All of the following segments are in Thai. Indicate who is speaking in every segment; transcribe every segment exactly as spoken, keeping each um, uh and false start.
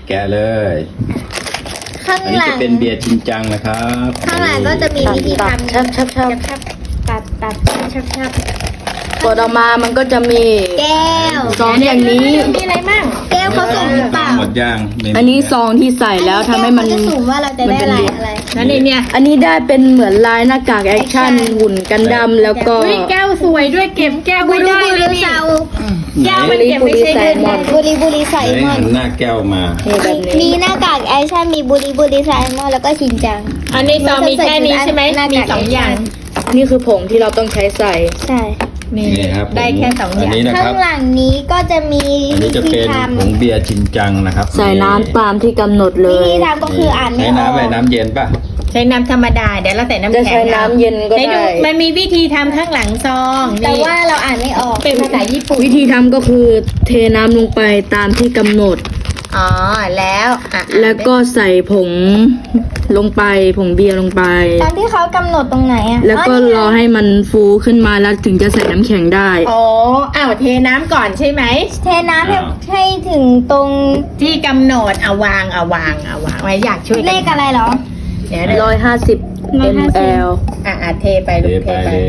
Speaker 1: แกะเลย
Speaker 2: ข้าง
Speaker 1: อันนี้
Speaker 2: หลั
Speaker 1: จะ
Speaker 2: ง
Speaker 1: เป็นเบียร์จริงจังนะครับ
Speaker 2: ข้างหลังก็จะมีวิธีทำ
Speaker 3: ชับชับชับ
Speaker 2: ชับตัดตัดชับชับ
Speaker 3: กดออกมามันก็จะมี
Speaker 2: แก้ว
Speaker 3: ซองอย่างนี้
Speaker 2: มีอะไรมั่งแก้วเขาสุ่มหรือเปล่า
Speaker 1: หมดย่างไม่มี
Speaker 3: อันนี้ซองที่ใส่แล้วทำให้มัน
Speaker 2: แก้วเขาจะสุ่มว่าเราจะได้อะไรอะไร
Speaker 4: นั่นเองเนี่ย
Speaker 3: อันนี้ได้เป็นเหมือนลายหน้ากากแอคชั่นหุ่นกันดั้มแล้วก็
Speaker 4: อุ้ยแก้วสวยด้วยเก็บแก้ว
Speaker 2: บุ
Speaker 4: ไว้
Speaker 2: รี
Speaker 4: ได้
Speaker 2: บุ
Speaker 4: เล
Speaker 2: รี
Speaker 4: ยนี่
Speaker 2: เซา
Speaker 4: แก้วมันเก็บไม่ใช่เงิน
Speaker 2: บุรีบุรีไซ
Speaker 1: ไหน
Speaker 2: มอ
Speaker 1: หั
Speaker 2: น
Speaker 1: นหน้าแก้วมา
Speaker 3: นี่แบบ
Speaker 2: มี
Speaker 3: นี้
Speaker 2: หน้ากากแอคชั่นมีบุรีบุรีไซมอนแล้วก็ชินจัง
Speaker 4: อันนี้ซองมีแค่นี้ใช่ไหม
Speaker 2: หน้ากาก
Speaker 4: มีสองอย่าง
Speaker 3: นี่คือผงที่เราต้องใช้ใส่
Speaker 2: ใช่
Speaker 4: นี่
Speaker 1: นี่ครับ
Speaker 4: ได้แค่สองอ
Speaker 1: อัน
Speaker 4: ย่าง
Speaker 1: นี้นะค
Speaker 2: ข้า
Speaker 1: รับ
Speaker 2: งหลังนี้ก็จะมี
Speaker 1: อันนี้
Speaker 2: วิ
Speaker 1: จะ
Speaker 2: ธี
Speaker 1: เป็น
Speaker 2: ท
Speaker 1: ผงเบียร์จริงจังนะครับ
Speaker 3: ใส่น้ำตามที่กำหนดเล
Speaker 2: ำวิ
Speaker 3: ย
Speaker 2: ธีทำก็คืออ่านไม่
Speaker 1: ใช้
Speaker 2: ออ
Speaker 1: น้ำอะไร
Speaker 2: ก
Speaker 1: น้ำเย็นป่ะ
Speaker 4: ใช้น้ำธรรมดาเดี๋ยวเราใส่น้ำ
Speaker 3: จะ
Speaker 4: แข็ง
Speaker 3: ใช้น้ำเย็นก็
Speaker 4: ให้ดู
Speaker 3: ได้
Speaker 4: มันมีวิธีทำข้างหลังซอง
Speaker 2: แต่
Speaker 4: นี่
Speaker 2: ว่าเราอ่านไม่ออก
Speaker 4: เป็นภาษาญี่ปุ่น
Speaker 3: วิธีทำก็คือเทน้ำลงไปตามที่กำหนด
Speaker 4: อ๋อแล้วอ่ะ
Speaker 3: แล้วก็ใส่ผงลงไปผงเบียร์ลงไป
Speaker 2: ตามที่เขากำหนดตรงไหนอ่ะ
Speaker 3: แล้วก็รอให้มันฟูขึ้นมาแล้วถึงจะใส่น้ำแข็งได้
Speaker 4: อ๋ออ้าวเทน้ำก่อนใช่ไหม
Speaker 2: เทน้ำให้ให้ถึงตรง
Speaker 4: ที่กำหนดเอาวางเอาวางเอาวางไว้อยากช่วย
Speaker 2: เล
Speaker 4: กัน
Speaker 2: ขอะไรเหรอ
Speaker 4: เดี๋ยวเดี๋ยว
Speaker 3: ร้อยห้าสิบ
Speaker 2: ร้อยห้าสิบ
Speaker 3: ml
Speaker 4: อ่ะอ่ะเทไป
Speaker 1: เท
Speaker 4: ลูก
Speaker 1: ไป
Speaker 4: เทไป
Speaker 1: เลย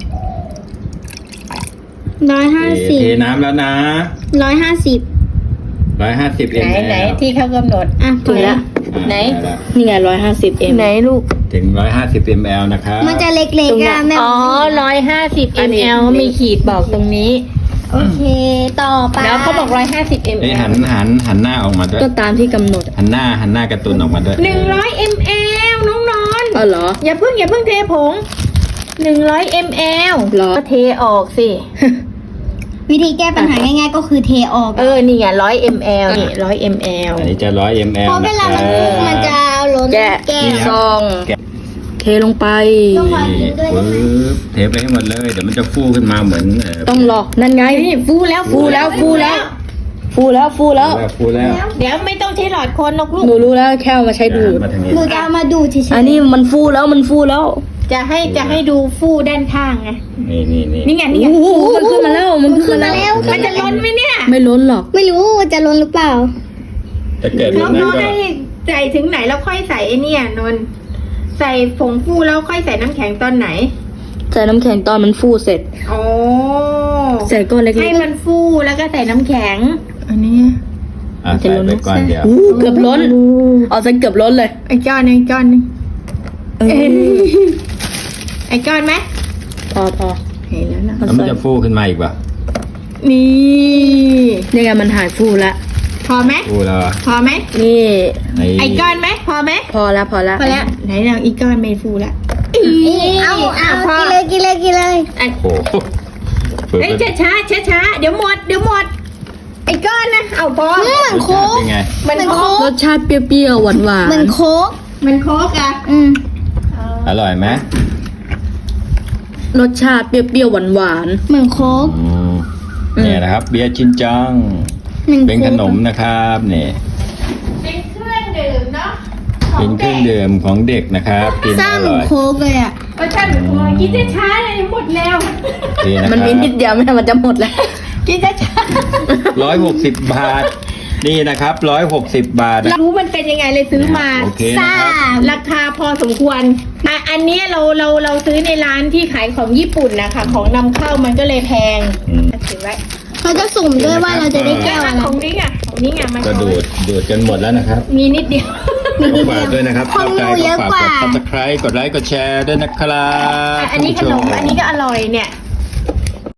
Speaker 2: ร้อยห้า
Speaker 1: เท
Speaker 2: สิบ
Speaker 1: เทน้ำแล้วนะ
Speaker 2: ร้อยห้าสิบ
Speaker 1: ร้อยห้าสิบเอ็
Speaker 4: ไหน
Speaker 1: ม
Speaker 4: ไหนที่เขากำหนด
Speaker 2: อ่ะ
Speaker 3: ถึงแล้ว
Speaker 4: ไหน
Speaker 3: นี่ไงร้อยห้าสิบ m
Speaker 4: ไหนลูก
Speaker 1: ถึงร้อยห้าสิบมลนะครับ
Speaker 2: มันจะเล็ก
Speaker 3: ตรง
Speaker 2: ๆ
Speaker 3: เนี้
Speaker 2: อ่ะ
Speaker 3: ย
Speaker 2: แม่
Speaker 4: อ๋อร้อยห้าสิบ
Speaker 3: อันนี้
Speaker 4: ml มีขีดบอกตรงนี้
Speaker 2: โอเค ต่อไป
Speaker 4: แล้วเขาบอกร้อยห้าสิบ
Speaker 1: เอ้ย
Speaker 4: ml
Speaker 1: หันหันหันหน้าออกมาด้วย
Speaker 3: ก็ตามที่กำหนด
Speaker 1: หันหน้าหันหน้าการ์ตูนออกมาด้วย
Speaker 4: หนึ่งร้อย ml น้องนอน
Speaker 3: อ๋อเหรอ
Speaker 4: อย่าเพิ่งอย่าเพิ่งเทผงหนึ่งร้อย ml
Speaker 3: เหรอ
Speaker 4: ก็เทออกสิ
Speaker 2: วิธีแก้ปัญหาง่ายๆก็คือเทออก
Speaker 4: เออ นี่ไงร้อย ml นี่ร้อย ml
Speaker 1: อันนี้จะร้อยมล
Speaker 2: เพราะเวลามันพุ่งมันจะล้น
Speaker 3: แกะ
Speaker 2: แก้ว
Speaker 3: ซองเทลงไป
Speaker 2: ต้องคอยกินด้วยได้
Speaker 1: ปึ๊
Speaker 2: ไหม
Speaker 1: บเทไปให้หมดเลย เดี๋ยวมันจะฟูขึ้นมาเหมือนเ
Speaker 3: ต้องรอนั่นไง
Speaker 4: นี่ฟูแล้ว
Speaker 3: ฟูแล้วฟูแล้ว ฟูแล้วฟูแล้ว
Speaker 1: ฟูแล้ว
Speaker 4: เดี๋ยวไม่ต้องใช้หลอดคนหรอกลูก
Speaker 3: หนูรู้แล้วแค่เอามาใช้ดูด
Speaker 1: มาทางนี้
Speaker 2: หนูจะเอามาดูเฉยๆ
Speaker 3: อันนี้มันฟูแล้วมันฟูแล้ว
Speaker 4: จะให้จะให้ดูฟูด้านข้างไง
Speaker 1: นี่นี่นี่
Speaker 4: นี่ไงนี่ไง
Speaker 3: โอ้โหมันขึ้นมาแล้วมันขึ้นมาแล้ว
Speaker 4: มันจะล้นไหมเนี่ย
Speaker 3: ไม่ล้นหรอก
Speaker 2: ไม่รู้ว่าจะล้นหรือเปล่า
Speaker 1: ถ้าเกิด
Speaker 4: น้
Speaker 1: มั
Speaker 4: อน ง
Speaker 1: นั้น
Speaker 4: ก็
Speaker 1: ก็
Speaker 4: ให้ใส่ถึงไหนแล้วค่อยใส่ไอ้เนี่ยนนท์ใส่ผงฟูแล้วค่อยใส่น้ำแข็งตอนไหน
Speaker 3: ใส่น้ำแข็งตอนมันฟูเสร็จ
Speaker 4: โอ้
Speaker 3: ใส่ก้อนเล็ก
Speaker 4: ให้มันฟูแล้วก็ใส่น้ำแข็ง อันนี้
Speaker 1: อ่ะใส่ไปก่อนเดี๋ยว
Speaker 3: ๆอู้เกือบล้นเอาซะเกือบล้นเลย
Speaker 4: ไอ้ก้อนหนึงก้อนหนึง
Speaker 3: เออ
Speaker 4: ไอ้ก้อนไหม
Speaker 3: พอพอ
Speaker 4: เห็นแล้วนะ
Speaker 1: แล้วมันจะฟูขึ้นมาอีกป่ะ
Speaker 4: นี่
Speaker 3: นี่ไงมันหายฟูแล้ว
Speaker 4: พอไหม
Speaker 1: ฟูแล้วอ่ะ
Speaker 4: พอไหม
Speaker 3: นี่
Speaker 4: ไอ้ก้อนไหมพอไหม
Speaker 3: พอแล้วพอแล้ว
Speaker 4: พอแล้วไหนเราอีกก้อนไม่ฟูละ
Speaker 2: เอาเอา
Speaker 4: พอ
Speaker 2: กินเลยกินเลยกินเลย
Speaker 4: อ่ะ
Speaker 1: โอ้โหเปิด
Speaker 4: เอ้ย
Speaker 1: เป็น
Speaker 4: ช้าช้าช้าช้าๆเดี๋ยวหมดเดี๋ยวหมด ไอ้ก้อนนะเอาพอ
Speaker 2: เหมือนโค้ก
Speaker 1: เป็นไง
Speaker 4: มัน
Speaker 2: เหมือน
Speaker 4: โค
Speaker 2: โค้
Speaker 3: ร
Speaker 2: ก
Speaker 3: สชาติเปรี้ยวๆหวานหวาน
Speaker 2: เหมือนโค้ก
Speaker 4: มันโคกอะ
Speaker 2: อืม
Speaker 1: อร่อยไหม
Speaker 3: รสชาติเปรี้ยวๆหวานหวาน
Speaker 2: เหมือนโค้ก
Speaker 1: อืมเนี่ยนะครับ เบียร์ชินจัง
Speaker 2: หมือ
Speaker 1: เป็น
Speaker 2: โค้
Speaker 1: ข
Speaker 2: ก
Speaker 1: นมนะครับเนี่ย
Speaker 4: เป็นเครื่องดื่มเนาะ
Speaker 1: เป็นเครื่องดื่มของเด็กนะครับ กิน
Speaker 2: สร้าง
Speaker 1: อ
Speaker 2: เหมือ
Speaker 1: ร่
Speaker 2: น
Speaker 1: อย
Speaker 2: โค้กเลยอ่ะ
Speaker 4: ก็ช่างหนูกินช้าๆเลยหมดแล้ว
Speaker 1: นี่นะ
Speaker 3: ๆ
Speaker 1: ค
Speaker 3: มันมี
Speaker 1: รับ
Speaker 3: นิดเดียวไม่งั้นมันจะหมดแล้ว
Speaker 4: กินช้า
Speaker 1: ร้อยหกสิบบาท นี่นะครับร้อยหกสิบบาท
Speaker 4: ๆรู้มันเป็นยังไงเลยซื้อมา
Speaker 1: โอเคนะครับ
Speaker 4: ราคาพอสมควรอ่ะอันเนี้ยเราเราเราซื้อในร้านที่ขายของญี่ปุ่นนะคะของนำเข้ามันก็เลยแพง
Speaker 1: อืม
Speaker 4: ถือไว้
Speaker 2: เขาจะสุ่มด้วยว่าเราจะได้แก้วอะไร
Speaker 4: ของนี้อ่ะของนี้อ่ะมัน
Speaker 1: ก็ดูดดูดกันหมดแล้วนะครับ
Speaker 4: มีนิดเดียว
Speaker 1: ฝากด้วยนะครับ
Speaker 2: ของหนูเยอะ
Speaker 1: ฝาก
Speaker 2: กว่า
Speaker 1: กด ซับสไครบ์ กดไลค์ กดแชร์ด้วยนะครับ
Speaker 4: อันนี้ขนมอันนี้ก็อร่อยเนี่ย